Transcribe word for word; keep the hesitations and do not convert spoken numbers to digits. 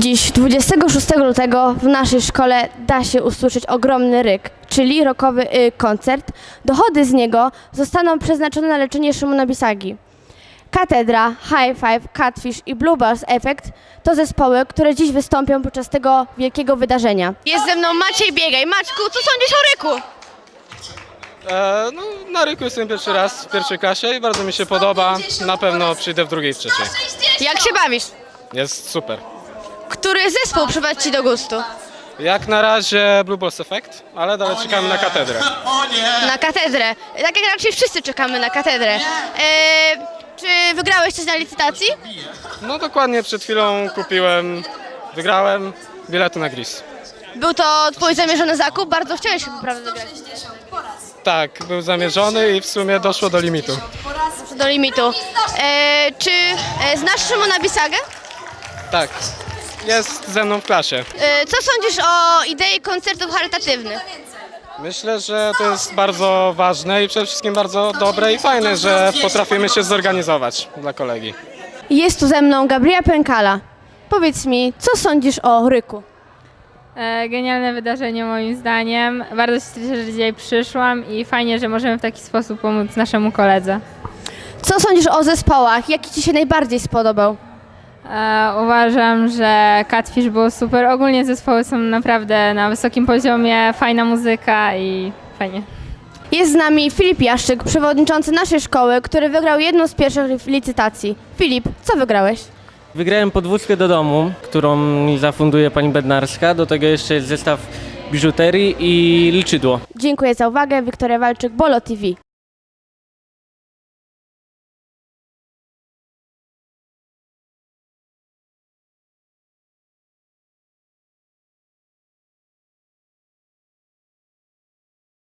Dziś, dwudziestego szóstego lutego, w naszej szkole da się usłyszeć ogromny ryk, czyli rockowy y, koncert. Dochody z niego zostaną przeznaczone na leczenie Szymona Bisagi. Katedra, High Five, Catfish i Bluebirds Effect to zespoły, które dziś wystąpią podczas tego wielkiego wydarzenia. Jest ze mną Maciej Biegaj. Maćku, co sądzisz o ryku? E, no, na ryku jestem pierwszy raz w pierwszej klasie i bardzo mi się podoba. Na pewno przyjdę w drugiej i trzeciej. Jak się bawisz? Jest super. Który zespół przypadł Ci do gustu? Jak na razie Blue Balls Effect, ale dalej czekamy na katedrę. Na katedrę. Tak jak raczej wszyscy czekamy na katedrę. Eee, czy wygrałeś coś na licytacji? No dokładnie przed chwilą kupiłem, wygrałem bilety na Gris. Był to Twój zamierzony zakup? Bardzo chciałeś chyba, prawda, wygrać. Tak, był zamierzony i w sumie doszło do limitu. Do limitu. Eee, czy e, znasz Szymona Bisagę? Tak, jest ze mną w klasie. Eee, co sądzisz o idei koncertów charytatywnych? Myślę, że to jest bardzo ważne i przede wszystkim bardzo dobre i fajne, że potrafimy się zorganizować dla kolegi. Jest tu ze mną Gabriela Pękala. Powiedz mi, co sądzisz o ryku? E, Genialne wydarzenie moim zdaniem. Bardzo się cieszę, że dzisiaj przyszłam i fajnie, że możemy w taki sposób pomóc naszemu koledze. Co sądzisz o zespołach? Jaki Ci się najbardziej spodobał? E, uważam, że Catfish był super. Ogólnie zespoły są naprawdę na wysokim poziomie, fajna muzyka i fajnie. Jest z nami Filip Jaszczyk, przewodniczący naszej szkoły, który wygrał jedną z pierwszych licytacji. Filip, co wygrałeś? Wygrałem podwózkę do domu, którą mi zafunduje pani Bednarska. Do tego jeszcze jest zestaw biżuterii i liczydło. Dziękuję za uwagę. Wiktoria Walczyk, Bolo T V.